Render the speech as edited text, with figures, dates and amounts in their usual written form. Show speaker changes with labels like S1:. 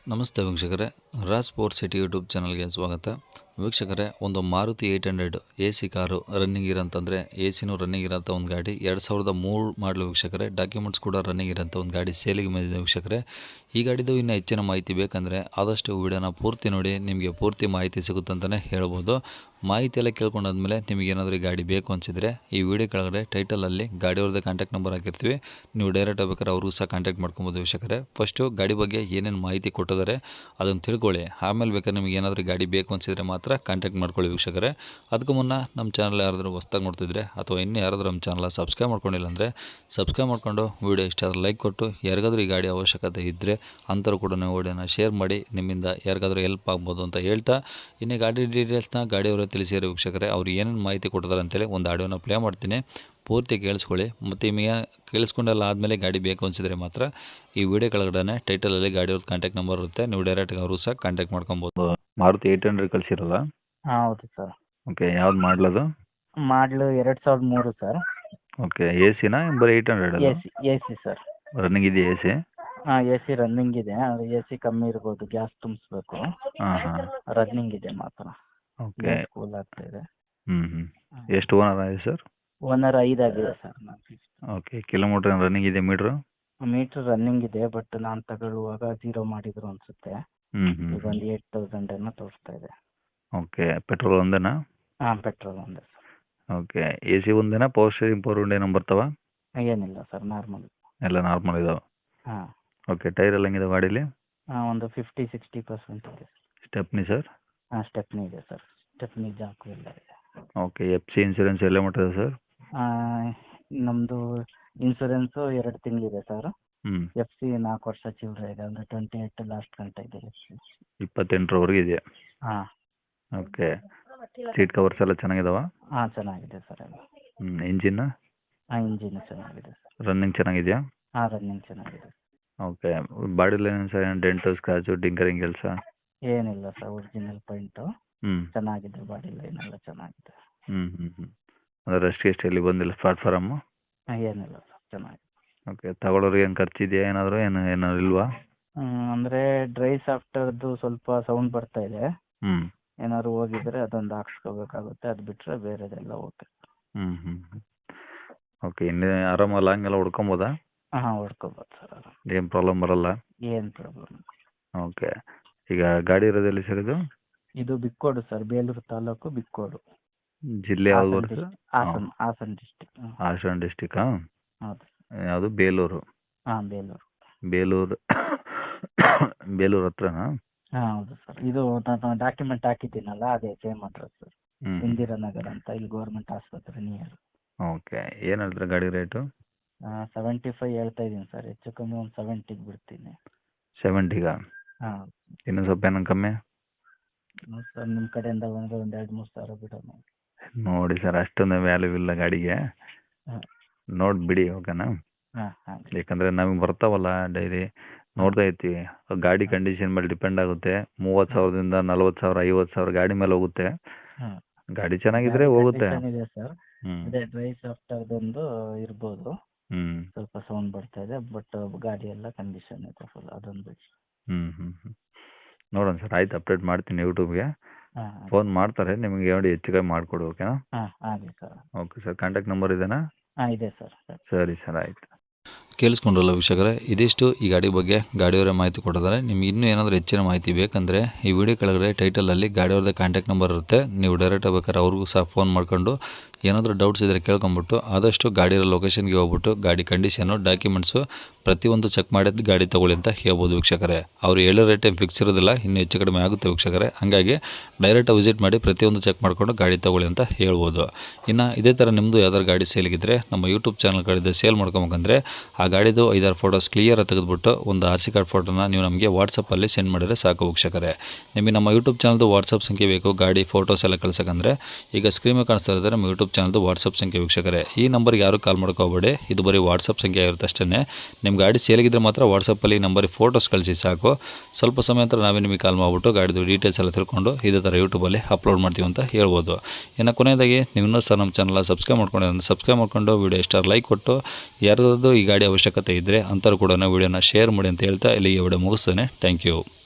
S1: ನಮಸ್ತೆ ವೀಕ್ಷಕರೇ, Raj sports city YouTube ಚಾನಲ್ಗೆ ಸ್ವಾಗತ. ವೀಕ್ಷಕರೇ, ಒಂದು Maruti 800 A C car running ಇರೋಂತಂದರೆ ಎ ಸಿನೂ ರನ್ನಿಂಗ್ ಇರೋಂಥ ಒಂದು ಗಾಡಿ 2003 ಮಾಡಲು ವೀಕ್ಷಕರೇ. ಡಾಕ್ಯುಮೆಂಟ್ಸ್ ಕೂಡ ರನ್ನಿಂಗ್ ಇರೋಂಥ ಒಂದು ಗಾಡಿ ಸೇಲಿಗೆ ಬಂದಿದೆ ವೀಕ್ಷಕರೇ. ಈ ಗಾಡಿದು ಇನ್ನೂ ಹೆಚ್ಚಿನ ಮಾಹಿತಿ ಬೇಕಂದರೆ ಆದಷ್ಟು ವಿಡಿಯೋನ ಪೂರ್ತಿ ನೋಡಿ, ನಿಮಗೆ ಪೂರ್ತಿ ಮಾಹಿತಿ ಸಿಗುತ್ತಂತಲೇ ಹೇಳ್ಬೋದು. ಮಾಹಿತಿ ಎಲ್ಲ ಕೇಳ್ಕೊಂಡಾದ್ಮೇಲೆ ನಿಮಗೆ ಏನಾದರೂ ಈ ಗಾಡಿ ಬೇಕು ಅನಿಸಿದರೆ ಈ ವಿಡಿಯೋ ಕೆಳಗಡೆ ಟೈಟಲಲ್ಲಿ ಗಾಡಿಯವ್ರದ್ದು ಕಾಂಟ್ಯಾಕ್ಟ್ ನಂಬರ್ ಹಾಕಿರ್ತೀವಿ. ನೀವು ಡೈರೆಕ್ಟ್ ಆಗ್ಬೇಕಾದ್ರೆ ಅವ್ರಿಗೂ ಸಹ ಕಾಂಟ್ಯಾಕ್ಟ್ ಮಾಡ್ಕೊಬೋದು ವೀಕ್ಷಕರೇ. ಫಸ್ಟು ಗಾಡಿ ಬಗ್ಗೆ ಏನೇನು ಮಾಹಿತಿ ಕೊಟ್ಟಿದ್ದಾರೆ ಅದನ್ನು ತಿಳ್ಕೊಳ್ಳಿ, ಆಮೇಲೆ ಬೇಕಾದ್ರೆ ನಿಮಗೆ ಏನಾದರೂ ಗಾಡಿ ಬೇಕು ಅನಿಸಿದರೆ ಮಾತ್ರ ಕಾಂಟ್ಯಾಕ್ಟ್ ಮಾಡ್ಕೊಳ್ಳಿ ವೀಕ್ಷಕರೇ. ಅದಕ್ಕೂ ಮುನ್ನ ನಮ್ಮ ಚಾನಲ್ ಯಾರಾದರೂ ಹೊಸ್ದಾಗಿ ನೋಡ್ತಿದ್ರೆ ಅಥವಾ ಇನ್ನೂ ಯಾರಾದರೂ ನಮ್ಮ ಚಾನಲ್ ಸಬ್ಸ್ಕ್ರೈಬ್ ಮಾಡ್ಕೊಂಡಿಲ್ಲ ಅಂದರೆ ಸಬ್ಸ್ಕ್ರೈಬ್ ಮಾಡ್ಕೊಂಡು ವಿಡಿಯೋ ಇಷ್ಟ ಆದರೆ ಲೈಕ್ ಕೊಟ್ಟು, ಯಾರಿಗಾದರೂ ಈ ಗಾಡಿ ಅವಶ್ಯಕತೆ ಇದ್ದರೆ ಅಂಥವ್ರು ಕೂಡ ನೀವು ವಿಡಿಯೋನ ಶೇರ್ ಮಾಡಿ, ನಿಮ್ಮಿಂದ ಯಾರಿಗಾದರೂ ಹೆಲ್ಪ್ ಆಗ್ಬೋದು ಅಂತ ಹೇಳ್ತಾ, ಇನ್ನೇ ಗಾಡಿ ಡೀಟೇಲ್ಸ್ನ ಗಾಡಿಯವರು ತಿಳಿಸಿರೋ ವೀಕ್ಷಕರೇ. ಅವ್ರು ಏನೇನು ಮಾಹಿತಿ ಕೊಟ್ಟಿದ್ದಾರೆ ಅಂತೇಳಿ ಒಂದು ಆಡಿಯೋನ ಪ್ಲೇ ಮಾಡ್ತೀನಿ, ಪೂರ್ತಿ ಕೇಳಿಸ್ಕೊಳ್ಳಿ. ಮತ್ತು ನಿಮಗೆ ಕೇಳಿಸ್ಕೊಂಡೆಲ್ಲ ಆದಮೇಲೆ ಗಾಡಿ ಬೇಕು ಅನಿಸಿದರೆ ಮಾತ್ರ ಈ ವಿಡಿಯೋ ಕೆಳಗಡೆ ಟೈಟಲಲ್ಲಿ ಗಾಡಿಯವ್ರದ್ದು ಕಾಂಟ್ಯಾಕ್ಟ್ ನಂಬರ್ ಇರುತ್ತೆ, ನೀವು ಡೈರೆಕ್ಟ್ಗೆ ಅವರು ಸಹ ಕಾಂಟ್ಯಾಕ್ಟ್ ಮಾಡ್ಕೊಬೋದು. ಮಾರುತಿ 800 ಕಳಿಸಿರಲ್ಲ?
S2: ಹೌದು ಸರ್.
S1: ಓಕೆ, ಯಾವ್ದು ಮಾಡಲದು?
S2: ಮಾಡಲು 2003 ಸರ್.
S1: ಓಕೆ, ಎ ಸಿನಾ ಬರೀ 800?
S2: A C sir.
S1: ರನ್ನಿಂಗ್ ಇದೆಯಾ ಎ ಸಿ?
S2: ಹಾಂ, ಎ ಸಿ ರನ್ನಿಂಗ್ ಇದೆ. ಎ ಸಿ ಕಮ್ಮಿ ಇರ್ಬೋದು, ಗ್ಯಾಸ್ ತುಂಬಿಸ್ಬೇಕು.
S1: ಹಾಂ.
S2: ರನ್ನಿಂಗ್ ಇದೆ ಮಾತ್ರ.
S1: ಓಕೆ.
S2: ಕೂಲ್ ಆಗ್ತಾ ಇದೆ.
S1: ಎಷ್ಟು ಓನರ್ ಆಗಿದೆ ಸರ್?
S2: ಓನರ್ 5 ಆಗಿದೆ ಸರ್.
S1: ಓಕೆ, ಕಿಲೋಮೀಟರ್ ರನ್ನಿಂಗ್ ಇದೆ ಮೀಟ್ರು?
S2: ಮೀಟ್ರ್ ರನ್ನಿಂಗ್ ಇದೆ, ಬಟ್ ನಾನು ತಗೊಳ್ಳುವಾಗ 0 ಮಾಡಿದ್ರು ಅನ್ಸುತ್ತೆ. ಈಗ ಒಂದು 8000 ಏನೋ ತೋರಿಸ್ತಾ ಇದೆ.
S1: ಓಕೆ, ಪೆಟ್ರೋಲ್ ಒಂದೇನಾ?
S2: ಹಾಂ, ಪೆಟ್ರೋಲ್ ಒಂದೇ ಸರ್.
S1: ಓಕೆ, ಎ ಸಿ ಒಂದೇನಾ? ಪವರ್ ಸ್ಟೇರಿಂಗ್, ಪವರ್ ವಿಂಡೋ ಏನೋ ಬರ್ತಾವ?
S2: ಏನಿಲ್ಲ ಸರ್, ನಾರ್ಮಲ್.
S1: ಎಲ್ಲ ನಾರ್ಮಲ್ ಇದಾವೆ?
S2: ಹಾಂ.
S1: ಓಕೆ, ಟೈರ್ ಎಲ್ಲ ಹೆಂಗಿದೆ ಗಾಡೀಲಿ?
S2: ಒಂದು 50-60% ಇದೆ.
S1: Stepney sir?
S2: ಹಾಂ, ಸ್ಟೆಪ್ನಿ ಇದೆ ಸರ್. ಸ್ಟೆಪ್ನಿ ಜಾಕು ಎಲ್ಲ ಇದೆ.
S1: ಓಕೆ, ಎಫ್ ಸಿ ಇನ್ಸೂರೆನ್ಸ್ ಎಲ್ಲ ಮಟ್ಟಿದೆ ಸರ್?
S2: ನಮ್ಮದು ಇನ್ಸೂರೆನ್ಸು 2 ತಿಂಗಳಿದೆ ಸರ್.
S1: ಹ್ಞೂ.
S2: ಎಫ್ ಸಿ 4 ವರ್ಷ ಚಿಲ್ಲರೆ ಇದೆ, ಅಂದರೆ 28 ಲಾಸ್ಟ್ ಗಂಟೆ ಇದೆ ಎಫ್ ಸಿ.
S1: 28ರವರೆಗೆ ಇದೆಯಾ?
S2: ಹಾಂ.
S1: ಓಕೆ, ಸೀಟ್ ಕವರ್ಸ್ ಎಲ್ಲ ಚೆನ್ನಾಗಿದಾವ?
S2: ಹಾಂ, ಚೆನ್ನಾಗಿದೆ ಸರ್ ಎಲ್ಲ.
S1: ಇಂಜಿನ್?
S2: ಹಾಂ, ಇಂಜಿನ್ ಚೆನ್ನಾಗಿದೆ ಸರ್.
S1: ರನ್ನಿಂಗ್ ಚೆನ್ನಾಗಿದೆಯಾ?
S2: ಹಾಂ, ರನ್ನಿಂಗ್ ಚೆನ್ನಾಗಿದೆ.
S1: ಓಕೆ, ಬಾಡಿಲಿ ಏನು ಸರ್, ಡೆಂಟು ಸ್ಕ್ರಾಚು ಟಿಂಕರಿಂಗ್ ಕೆಲಸ?
S2: ಏನಿಲ್ಲ ಸರ್, ಒರಿಜಿನಲ್ ಪೈಂಟು. ಚೆನ್ನಾಗಿದೆ, ಬಾಡಿ ಲೈನ್ ಎಲ್ಲ ಚೆನ್ನಾಗಿದೆ.
S1: ಅಂದರೆ ರೆಸ್ಟ್ಗೆ ಎಷ್ಟು ಎಲ್ಲಿ ಬಂದಿಲ್ಲ ಪ್ಲಾಟ್ಫಾರಮ್ಮು?
S2: ಏನಿಲ್ಲ ಸರ್, ಚೆನ್ನಾಗಿದೆ.
S1: ಓಕೆ, ತಗೊಳ್ಳೋರಿಗೆ ಏನು ಖರ್ಚಿದೆಯಾ ಏನಾದರೂ, ಏನಾದ್ರು ಇಲ್ವಾ?
S2: ಅಂದರೆ ಡ್ರೈ ಸಾಫ್ಟ್ವೇರ್ದು ಸ್ವಲ್ಪ ಸೌಂಡ್ ಬರ್ತಾ ಇದೆ.
S1: ಹ್ಞೂ.
S2: ಏನಾದ್ರು ಹೋಗಿದ್ರೆ ಅದೊಂದು ಹಾಕ್ಸ್ಕೋಬೇಕಾಗುತ್ತೆ, ಅದು ಬಿಟ್ಟರೆ ಬೇರೆದೆಲ್ಲ ಓಕೆ.
S1: ಓಕೆ, ಇನ್ನೇ ಆರಾಮ ಲಾಂಗ್ ಎಲ್ಲ ಹೊಡ್ಕೊಬೋದಾ?
S2: ಹಾಂ, ಹೊಡ್ಕೋಬೋದು ಸರ್.
S1: ಏನು ಪ್ರಾಬ್ಲಮ್ ಬರಲ್ಲ?
S2: ಏನು ಪ್ರಾಬ್ಲಮ್.
S1: ಓಕೆ, ಈಗ ಗಾಡಿ ಇರೋದು ಎಲ್ಲಿ ಸರ್ ಇದು?
S2: ಇದು ಬಿಕ್ಕೋಡು ಸರ್, ಬೇಲೂರು ತಾಲೂಕು ಬಿಕ್ಕೋಡು.
S1: ಜಿಲ್ಲೆ ಯಾವ್ದು ಬರುತ್ತೆ?
S2: ಹಾಸನ ಡಿಸ್ಟಿಕ್.
S1: ಹಾಸನ ಡಿಸ್ಟಿಕ್ಕಾ?
S2: ಹೌದು.
S1: ಯಾವುದು ಬೇಲೂರು?
S2: ಹಾಂ, ಬೇಲೂರು.
S1: ಬೇಲೂರು ಹತ್ರನಾ?
S2: ಹಾಂ, ಹೌದು ಸರ್. ಇದು ನಾನು ಡಾಕ್ಯುಮೆಂಟ್ ಹಾಕಿದ್ದೀನಲ್ಲ, ಅದೇ ಸೇಮ್ ಅಡ್ರೆಸ್ ಸರ್. ಇಂದಿರಾನಗರ ಅಂತ, ಇಲ್ಲಿ ಗೌರ್ಮೆಂಟ್ ಆಸ್ಪತ್ರೆ ನಿಯರ್.
S1: ಓಕೆ, ಏನು ಹೇಳ್ತಾರೆ ಗಾಡಿ ರೇಟು?
S2: 75 ಹೇಳ್ತಾ ಇದ್ದೀನಿ ಸರ್, ಹೆಚ್ಚು ಕಮ್ಮಿ ಒಂದು 70ಗೆ ಬಿಡ್ತೀನಿ.
S1: 70ಗಾ?
S2: ಹಾಂ.
S1: ಇನ್ನೂ ಸ್ವಲ್ಪ ಏನೋ ಕಮ್ಮಿ?
S2: ಸರ್, ನಿಮ್ಮ ಕಡೆಯಿಂದ ಬಂದರೆ ಒಂದು 2-3 ಸಾವಿರ ಬಿಡೋಣ.
S1: ನೋಡಿ ಸರ್, ಅಷ್ಟೊಂದು ವ್ಯಾಲ್ಯೂ ಇಲ್ಲ ಗಾಡಿಗೆ.
S2: ಹಾಂ.
S1: ನೋಡಿ ಬಿಡಿ, ಓಕೆನಾ?
S2: ಹಾಂ ಹಾಂ.
S1: ಯಾಕಂದರೆ ನಮಗೆ ಬರ್ತಾವಲ್ಲ ಡೈಲಿ, ನೋಡ್ತಾ ಇರ್ತೀವಿ. ಗಾಡಿ ಕಂಡೀಷನ್ ಮೇಲೆ ಡಿಪೆಂಡ್ ಆಗುತ್ತೆ. 30,000ದಿಂದ 40,000 50,000 ಗಾಡಿ ಮೇಲೆ ಹೋಗುತ್ತೆ.
S2: ಹಾಂ.
S1: ಗಾಡಿ ಚೆನ್ನಾಗಿದ್ರೆ ಹೋಗುತ್ತೆ.
S2: ಇದೆ ಸರ್. ಅದೇ ಡ್ರೈ ಸಾಫ್ಟ್ವೇರ್ದೊಂದು ಇರ್ಬೋದು. ಸ್ವಲ್ಪ ಸೌಂಡ್ ಬರ್ತಾ ಇದೆ, ಬಟ್ ಗಾಡಿ ಎಲ್ಲ ಕಂಡೀಷನ್ ಇದೆ ಫುಲ್, ಅದೊಂದು ಬಿಟ್ಟು.
S1: ನೋಡೋಣ ಸರ್, ಆಯ್ತು, ಅಪ್ಡೇಟ್ ಮಾಡ್ತೀನಿ ಯೂಟ್ಯೂಬ್ಗೆ.
S2: ಹಾಂ.
S1: ಫೋನ್ ಮಾಡ್ತಾರೆ ನಿಮಗೆ, ನೋಡಿ ಹೆಚ್ಚು ಕಮ್ಮಿ ಮಾಡಿಕೊಡು, ಓಕೆನಾ?
S2: ಹಾಂ, ಆಗಲಿ sir.
S1: Okay sir, contact number ಇದೆನಾ?
S2: ಹಾಂ, ಇದೆ ಸರ್.
S1: ಸರಿ ಸರ್, ಆಯಿತು. ಕೇಳಿಸ್ಕೊಂಡ್ರಲ್ಲ ವೀಕ್ಷಕರೇ, ಇದಿಷ್ಟು ಈ ಗಾಡಿ ಬಗ್ಗೆ ಗಾಡಿಯವರೇ ಮಾಹಿತಿ ಕೊಟ್ಟಿದ್ದಾರೆ. ನಿಮ್ಗೆ ಇನ್ನೂ ಏನಾದರೂ ಹೆಚ್ಚಿನ ಮಾಹಿತಿ ಬೇಕಂದರೆ ಈ ವಿಡಿಯೋ ಕೆಳಗಡೆ ಟೈಟಲಲ್ಲಿ ಗಾಡಿಯವ್ರದ್ದು ಕಾಂಟ್ಯಾಕ್ಟ್ ನಂಬರ್ ಇರುತ್ತೆ, ನೀವು ಡೈರೆಕ್ಟ್ ಆಗ್ಬೇಕಾದ್ರೆ ಅವ್ರಿಗೂ ಸಹ ಫೋನ್ ಮಾಡ್ಕೊಂಡು ಏನಾದರೂ ಡೌಟ್ಸ್ ಇದ್ದರೆ ಕೇಳ್ಕೊಂಬಿಟ್ಟು ಆದಷ್ಟು ಗಾಡಿಯ ಲೊಕೇಶನ್ಗೆ ಹೋಗ್ಬಿಟ್ಟು ಗಾಡಿ ಕಂಡೀಷನು ಡಾಕ್ಯುಮೆಂಟ್ಸು ಪ್ರತಿಯೊಂದು ಚೆಕ್ ಮಾಡಿದ್ದು ಗಾಡಿ ತೊಗೊಳ್ಳಿ ಅಂತ ಹೇಳ್ಬೋದು ವೀಕ್ಷಕರೇ. ಅವರು ಹೇಳೋ ರೇಟ್ ಏನು ಫಿಕ್ಸ್ ಇರೋದಿಲ್ಲ, ಇನ್ನೂ ಹೆಚ್ಚು ಕಡಿಮೆ ಆಗುತ್ತೆ ವೀಕ್ಷಕರೇ. ಹಾಗಾಗಿ ಡೈರೆಕ್ಟಾಗಿ ವಿಸಿಟ್ ಮಾಡಿ ಪ್ರತಿಯೊಂದು ಚೆಕ್ ಮಾಡಿಕೊಂಡು ಗಾಡಿ ತೊಗೊಳ್ಳಿ ಅಂತ ಹೇಳ್ಬೋದು. ಇನ್ನು ಇದೇ ಥರ ನಿಮ್ಮದು ಯಾವ್ದಾದ್ರು ಗಾಡಿ ಸೇಲಿಗಿದ್ರೆ ನಮ್ಮ ಯೂಟ್ಯೂಬ್ ಚಾನಲ್ ಕಡೆ ಸೇಲ್ ಮಾಡ್ಕೊಬೇಕಂದ್ರೆ ಆ ಗಾಡಿದು 5-6 ಫೋಟೋಸ್ ಕ್ಲಿಯರಾಗಿ ತೆಗೆದುಬಿಟ್ಟು ಒಂದು RC ಕಾರ್ಡ್ ಫೋಟೋನ ನೀವು ನಮಗೆ ವಾಟ್ಸಪ್ಪಲ್ಲಿ ಸೆಂಡ್ ಮಾಡಿದರೆ ಸಾಕು ವೀಕ್ಷಕರೇ. ನಿಮಗೆ ನಮ್ಮ ಯೂಟ್ಯೂಬ್ ಚಾನಲ್ದು ವಾಟ್ಸಪ್ ಸಂಖ್ಯೆ ಬೇಕು ಗಾಡಿ ಫೋಟೋಸ್ ಎಲ್ಲ ಕಳ್ಸೋಕ್ಕಂದರೆ ಈಗ ಸ್ಕ್ರೀನ್ ಮೇಲೆ ಕಾಣಿಸ್ತಾ ಇರ್ತಾರೆ ನಮ್ಮ ಯೂಟ್ಯೂಬ್ ಚಾನಲ್ದು ವಾಟ್ಸಪ್ ಸಂಖ್ಯೆ ವೀಕ್ಷಕರೇ. ಈ ನಂಬರ್ಗೆ ಯಾರು ಕಾಲ್ ಮಾಡ್ಕೋಬೇಡಿ, ಇದು ಬರೀ ವಾಟ್ಸಪ್ ಸಂಖ್ಯೆ ಆಗಿರುತ್ತೆ ಅಷ್ಟೇ. ನಿಮ್ಮ ಗಾಡಿ ಸೇಲಿಗಿದ್ರೆ ಮಾತ್ರ ವಾಟ್ಸಪ್ಪಲ್ಲಿ ನಂಬರಿಗೆ ಫೋಟೋಸ್ ಕಳಿಸಿ ಸಾಕು. ಸ್ವಲ್ಪ ಸಮಯ ನಂತರ ನಾವೇ ನಿಮಗೆ ಕಾಲ್ ಮಾಡಿಬಿಟ್ಟು ಗಾಡಿದು ಡೀಟೇಲ್ಸ್ ಎಲ್ಲ ತಿಳ್ಕೊಂಡು ಇದೇ ಥರ ಯೂಟ್ಯೂಬಲ್ಲಿ ಅಪ್ಲೋಡ್ ಮಾಡ್ತೀವಿ ಅಂತ ಹೇಳ್ಬೋದು. ಇನ್ನು ಕೊನೆಯದಾಗಿ ನೀವು ಸಹ ನಮ್ಮ ಚಾನಲ್ ಸಬ್ಸ್ಕ್ರೈಬ್ ಮಾಡ್ಕೊಂಡು ವಿಡಿಯೋ ಇಷ್ಟ ಲೈಕ್ ಕೊಟ್ಟು, ಯಾರ್ದಾದ್ರು ಈ ಗಾಡಿ ಅವಶ್ಯಕತೆ ಇದ್ದರೆ ಅಂಥವ್ರು ಕೂಡ ವಿಡಿಯೋನ ಶೇರ್ ಮಾಡಿ ಅಂತ ಹೇಳ್ತಾ ಇಲ್ಲಿಗೆ ವಿಡಿಯೋ ಮುಗಿಸ್ತೇನೆ. Thank you.